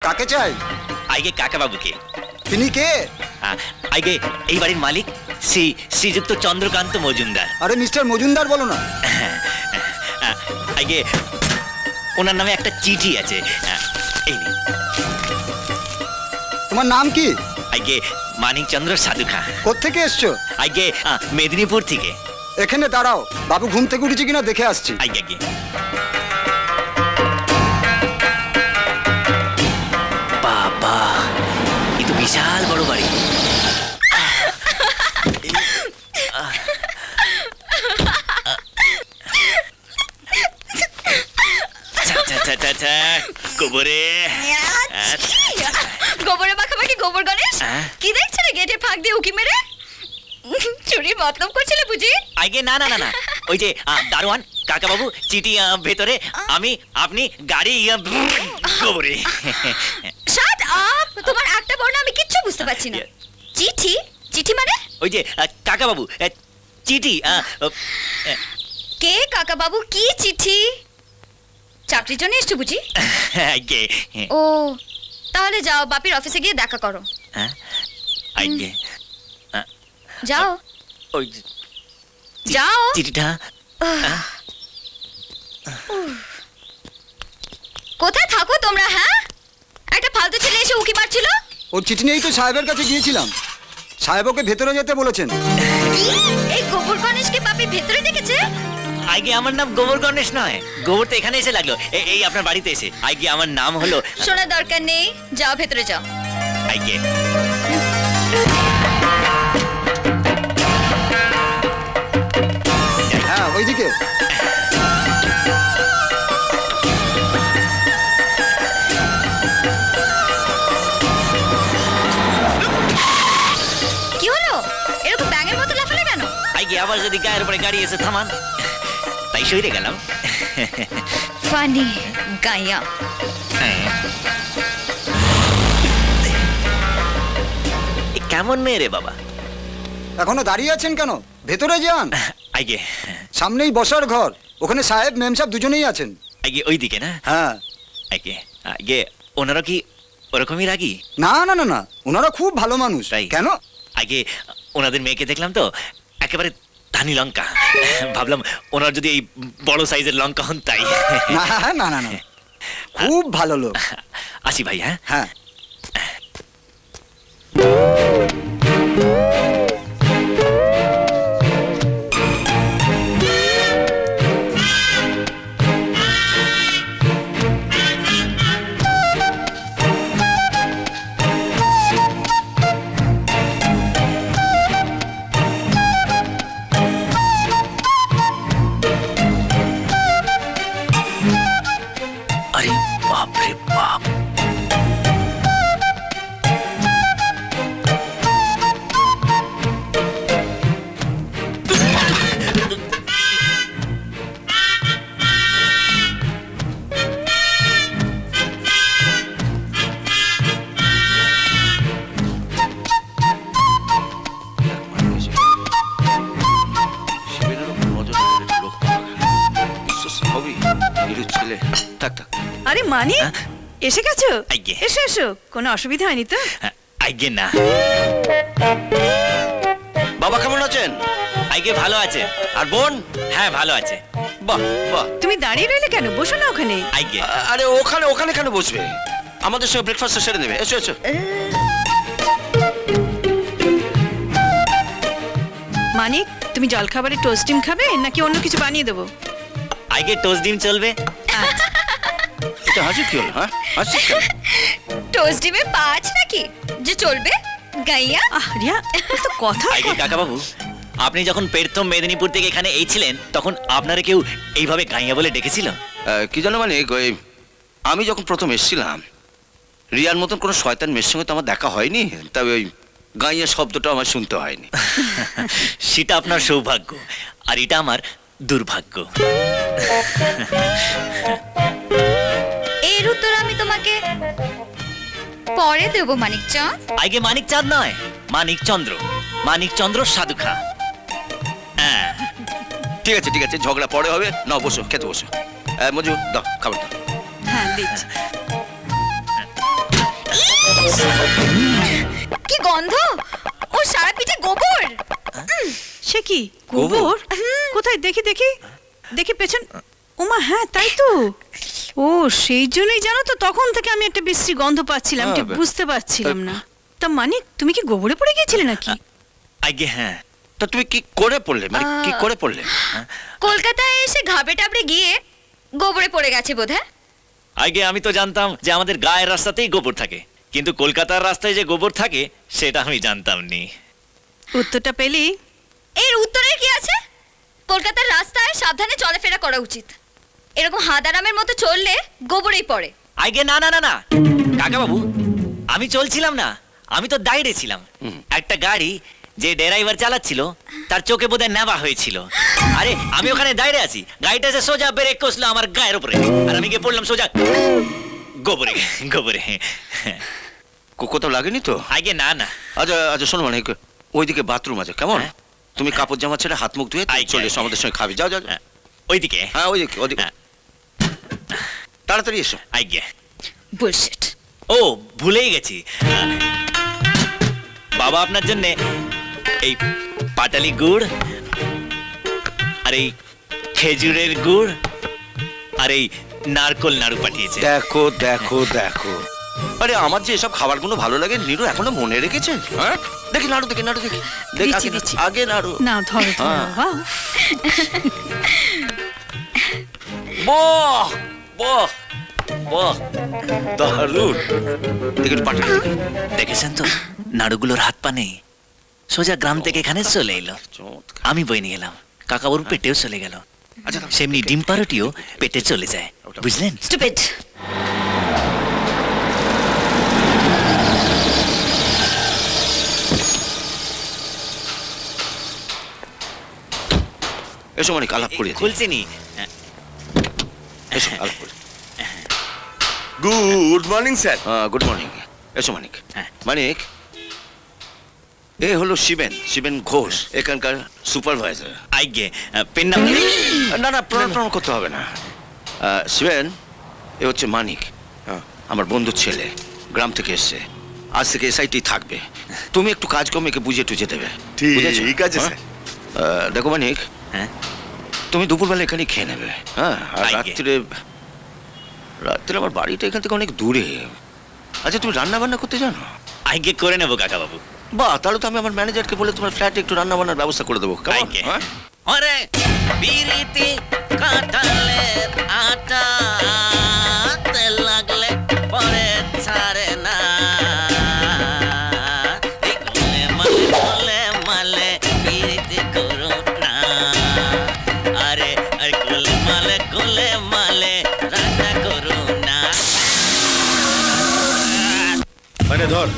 কাকে চাই? আগে কাকা বাবুকে। তিনি কে? আগে এই বাড়ির মালিক শ্রীযুক্ত চন্দ্রকান্ত মজুমদার। আরে মিস্টার মজুমদার বলো না। আগে ওনার নামে একটা চিঠি আছে, এই নিন। তোমার নাম কি? আগে মানিকচন্দ্র সাধুখা। কোত্থেকে এসছো? আগে মেদিনীপুর থেকে। এখানে দাঁড়াও, বাবু ঘুম থেকে উঠেছে কিনা দেখে আসছি। আগে আগে বাবা, এ তো বিশাল বড় বাড়ি। গোবরে গোবরে মাখামাখি গোবর গণেশ, কি দেখছ রে গেটে ফাঁক দিয়ে উকি মেরে? চুরির মতলব করছিলে বুঝি? আগে না না না না, ওই যে দারোয়ান কাকা বাবু চিঠি ভেতরে, আমি আপনি গাড়ি গোবরে। শাট আপ, তোমার একটা বর্ণ আমি কিচ্ছু বুঝতে পারছি না। চিঠি? চিঠি মানে? ওই যে কাকা বাবু চিঠি। কে কাকা বাবু, কি চিঠি? চাকরির জন্য এসছো বুঝি? আগে ও, তাহলে যাও বাপির অফিসে গিয়ে দেখা করো। আগে যাও ওই যাও। চিঠিটা কোথায় থাকো তোমরা? হ্যাঁ, একটা ফালতু ছেলে এসে উকি মারছিল। ওর চিঠি নিয়েই তো সাহেবের কাছে গিয়েছিলাম। সাহেব ওকে ভেতরে যেতে বলেছেন। এই গোবর গণেশকে বাপি ভেতরে ডেকেছে? আগে আমার নাম গোবর গণেশ নয়, গোবর তো এখানে এসে লাগলো, এই আপনার বাড়িতে এসে। আগে আমার নাম হলো। শোনার দরকার নেই, যাও ভেতরে যাও। আগে হ্যাঁ, ওইদিকে। কি হলো? এরকম ব্যাঙের মতো লাফালে কেন? আগে আবার যদি গায়ের উপরে গাড়ি এসে থামান, তাই সইরে গেলাম। ফানি গাইয়া। কেমন মেয়ে রে বাবা? এখনো দাঁড়িয়ে আছেন কেন? ভেতরে যান। আগে সামনেই বসার ঘর, ওখানে সাহেব মেম সাহেব দুজনেই আছেন। আগে ওই দিকে না? হ্যাঁ। আগে আগে ওনারা কি ওরকমই রাগি? না না না না, ওনারা খুব ভালো মানুষ। তাই? কেন? আগে ওনাদের মেয়েকে দেখলাম তো, একেবারে ধানি লঙ্কা। ভাবলাম ওনার যদি এই বড় সাইজের লঙ্কা হন তাই। না না না না, খুব ভালো লোক। আসি ভাই। হ্যাঁ হ্যাঁ। আরে বাপ রে বাপ, আরে মানি, এসে গেছো? আগে এসো এসো, কোনো অসুবিধা হয়নি তো? আগে না। বাবা কেমন আছেন? আগে ভালো আছে। আর বোন? হ্যাঁ ভালো আছে। বাহ বাহ। তুমি দাঁড়িয়ে রইলে কেন? বসো না ওখানে। আগে আরে ওখানে ওখানে কেন বসবে? আমাদের সঙ্গে ব্রেকফাস্ট সেরে নেবে। এসো এসো। মানিক, তুমি জলখাবারে টোস্ট ডিম খাবে নাকি অন্য কিছু বানিয়ে দেবো? আগে টোস্ট ডিম চলবে। এটা হাসি কি হলো? হ্যাঁ হাসি কেন? টোস্ট ডিমে পাঁচ নাকি যে চলবে? গাইয়া। রিয়া, তো কথা। আগে কাকা বাবু, আপনি যখন প্রথম মেদিনীপুর থেকে এখানে এই ছিলেন, তখন আপনারা কেউ এইভাবে গাইয়া বলে ডেকেছিল? কি জানো মানে, আমি যখন প্রথম এসেছিলাম, রিয়ার মতন কোনো শয়তান মেয়ের সঙ্গে তো আমার দেখা হয়নি, তবে ওই গাইয়া শব্দটা আমার শুনতে হয়নি। সেটা আপনার সৌভাগ্য, আর এটা আমার দুর্ভাগ্য। এর উত্তর আমি তোমাকে পরে দেবো মানিকচাঁদ। আগে মানিকচাঁদ নয়, মানিকচন্দ্র, মানিকচন্দ্র সাধুখা। ঠিক আছে ঠিক আছে, ঝগড়া পরে হবে। না বসো, খেতে বসো। মজু দাও, খাবার দাও। হ্যাঁ দিচ্ছি। কি গন্ধ, ও সারা পিঠে গোবর। সে কি গোবর? কোথায় দেখি দেখি দেখি পেছন। ওমা হ্যাঁ তাই তো। ও সেই জন্যই জানো তো তখন থেকে আমি একটা বিশ্রী গন্ধ পাচ্ছিলাম, ঠিক বুঝতে পারছিলাম না। তা মানিক তুমি কি গোবরে পড়ে গিয়েছিলে নাকি? আগে হ্যাঁ। তা তুমি কি করে পড়লে, মানে কি করে পড়লে? কলকাতায় এসে ঘাবড়ে টাবড়ে গিয়ে গোবরে পড়ে গেছে বোধহয়। আগে আমি তো জানতাম যে আমাদের গায়ের রাস্তাতেই গোবর থাকে, কিন্তু কলকাতার রাস্তায় যে গোবর থাকে সেটা আমি জানতাম নি। উত্তরটা পেলি? এর উত্তরের কি আছে? কলকাতার রাস্তায় সাবধানে চলাফেরা করা উচিত। এরকম হাদারামের মতো চললে গোবরেই পড়ে। আগে না না না না কাকা বাবু, আমি চলছিলাম না, আমি তো দাঁড়িয়ে ছিলাম। একটা গাড়ি যে ড্রাইভার চালাচ্ছিল তার চোখে বোধহয় নেওয়া হয়েছিল। আরে আমি ওখানে দাঁড়িয়ে আছি, গাড়িটা এসে সোজা ব্রেক কষলো আমার গায়ের উপরে, আর আমি গিয়ে পড়লাম সোজা গোবরে গোবরে। কোথাও লাগেনি তো? আগে না না। আচ্ছা আচ্ছা শোনো, মানে ওইদিকে বাথরুম আছে, কেমন? হ্যাঁ। তুমি কাপড় জামা ছেড়ে হাত মুখ ধুয়ে চলে এসো, আমাদের সঙ্গে খাবি। যাও যাও যাও। ওইদিকে। হ্যাঁ ওইদিকে ওইদিকে, হ্যাঁ। তাড়াতাড়ি এসো। আগে বুলশিট। ও ভুলেই গেছি, বাবা আপনার জন্য এই পাটালি গুড় আর এই খেজুরের গুড় আর এই নারকোল নাড়ু পাঠিয়েছে। দেখো দেখো দেখো, আরে আমার যে এসব খাবারগুলো ভালো লাগে নীরু এখনো মনে রেখেছে। হ্যাঁ দেখি নাড়ু, দেখি নাড়ু, দেখি দেখ, দিচ্ছি, আগে দিচ্ছি। আগে নাড়ু। না ধরো ধরো হ্যাঁ। বাহ। বাহ বাহ বাহ, দারুণ। দেখি একটু পাঠালি। দেখেছেন তো নাড়ুগুলোর হাত পা নেই, সোজা গ্রাম থেকে এখানে চলে এলো। চমৎকার। আমি বই নিয়ে এলাম, কাকাবুর পেটেও চলে গেল। আচ্ছা সেমনি ডিম পাউরুটিও পেটে চলে যায়, বুঝলেন? স্টুপিড। এসো মানে আলাপ করি, খুলছিনি। এসো আলাপ করি। Good morning sir. Good morning. এসো মানিক। হ্যাঁ। মানিক, এ হলো শিবেন, শিবেন ঘোষ, এখানকার সুপারভাইজার। আইগে পেন নাম। না না প্রণাম করতে হবে না। শিবেন, এ হচ্ছে মানিক, আমার বন্ধুর ছেলে, গ্রাম থেকে এসছে, আজ থেকে এসআইটি থাকবে। তুমি একটু কাজকর্ম একে বুঝিয়ে টুঝে দেবে, বুঝেছো? ঠিক আছে হ্যাঁ? দেখো মানিক, হ্যাঁ তুমি দুপুরবেলা এখানে খেয়ে নেবে, হ্যাঁ? আর আজ্ঞে। রাত্রে রাত্রে আমার বাড়িটা এখান থেকে অনেক দূরে। আচ্ছা তুমি রান্না বান্না করতে জানো? আইগে করে নেবো কাকা বাবু। বাহ, তাহলে তো আমি আমার ম্যানেজারকে বলে তোমার ফ্ল্যাটে একটু রান্না বান্নার ব্যবস্থা করে দেবো, কেমন? আইগে। হ্যাঁ? আরে বিরিতি কাটালে আটা তেল লাগলে পরে ছাড়ে না, এই গোলে মালে বিরিতি করো না, আরে আরে গোলে মালে রান্না করো না। মানে ধর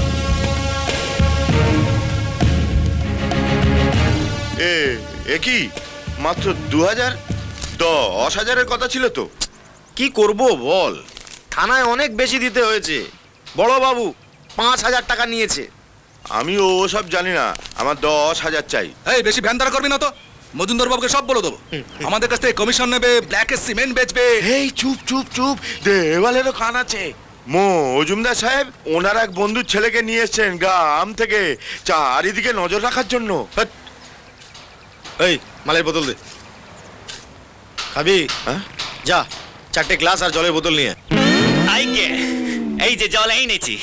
এ কি মাত্র 2000? 10,000-এর কথা ছিল তো। কি করব বল, থানায় অনেক বেশি দিতে হয়েছে। বড় বাবু 5,000 টাকা নিয়েছে। আমি ওসব জানি না, আমার 10,000 চাই। এই বেশি ভ্যানদারা করবি না তো, মজুমদার বাবুকে সব বলে দেবো। আমাদের কাছ থেকে কমিশন নেবে, ব্ল্যাকে সিমেন্ট বেচবে। এই চুপ চুপ চুপ, দেওয়ালেরও কান আছে। মজুমদার সাহেব ওনার এক বন্ধুর ছেলেকে নিয়ে এসছেন গ্রাম থেকে চারিদিকে নজর রাখার জন্য। হ্যাট। এই মালের বোতল দে। খাবি? হ্যাঁ? যা 4টে গ্লাস আর জলের বোতল নিয়ে। আইগে এই যে জল এনেছি।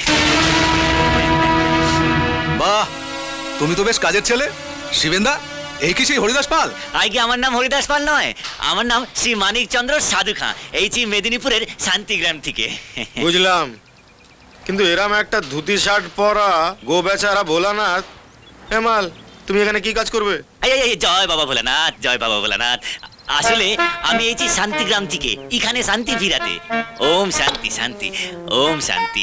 বাহ, তুমি তো বেশ কাজের ছেলে শিবেন্দা। এই কি সেই হরিদাস পাল? আইগে আমার নাম হরিদাস পাল নয়, আমার নাম শ্রী মানিক চন্দ্র সাধু খাঁ, এইছি মেদিনীপুরের শান্তিগ্রাম থেকে। বুঝলাম, কিন্তু এরাম একটা ধুতি শার্ট পরা গো বেচারা ভোলানাথ, মাল তুমি এখানে কি কাজ করবে? এই এই, এই, জয় বাবা ভোলানাথ, জয় বাবা ভোলানাথ। আসলে আমি এইছি শান্তিগ্রাম থেকে এখানে শান্তি ফিরাতে। ওম শান্তি শান্তি, ওম শান্তি।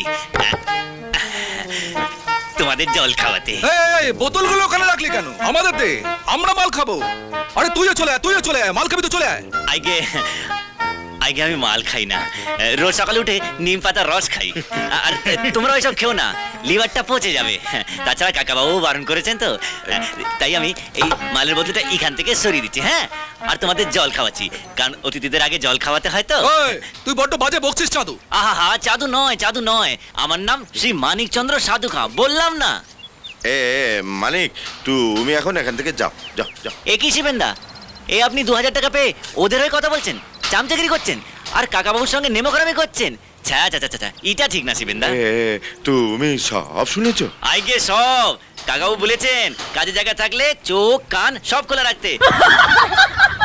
তোমাদের জল খাওয়াতে। এই বোতলগুলো ওখানে রাখলি কেন? আমাদের দে, আমরা মাল খাবো। আরে তুইও চলে আয়, তুইও চলে আয়, মাল খাবি তো চলে আয়। আগে আমি মাল খাই না, রোজ সকালে উঠে নিম পাতার রস খাই। আর তোমরা ওইসব খেও না, লিভারটা পচে যাবে। তাছাড়া কাকাবাবু বারণ করেছেন তো, তাই আমি এই মালের বদলেটা এখান থেকে সরিয়ে দিচ্ছি। হ্যাঁ, আর তোমাদের জল খাওয়াচ্ছি, কারণ অতিথিদের আগে জল খাওয়াতে হয় তো। ওই, তুই বড্ড বাজে বকছিস চাঁদু। আহা হা, চাঁদু নয়, চাঁদু নয়, আমার নাম শ্রী মানিকচন্দ্র সাধু খাঁ, বললাম না? মানিক, তুমি এখন এখান থেকে যাও যাও যাও। এ কি শিবেন্দা, এ আপনি 2000 টাকা পেয়ে ওদের হয়ে কথা বলছেন, চামচাগিরি করছেন, আর কাকাবাবুর সঙ্গে নেমোখারামি করছেন? ছা ছা ছা ছা, এটা ঠিক না শিবেন্দা। তুমি সব শুনেছো? আইগে সব কাকাবাবু বলেছেন কাজে জায়গা থাকলে চোখ কান সব খোলা রাখতে।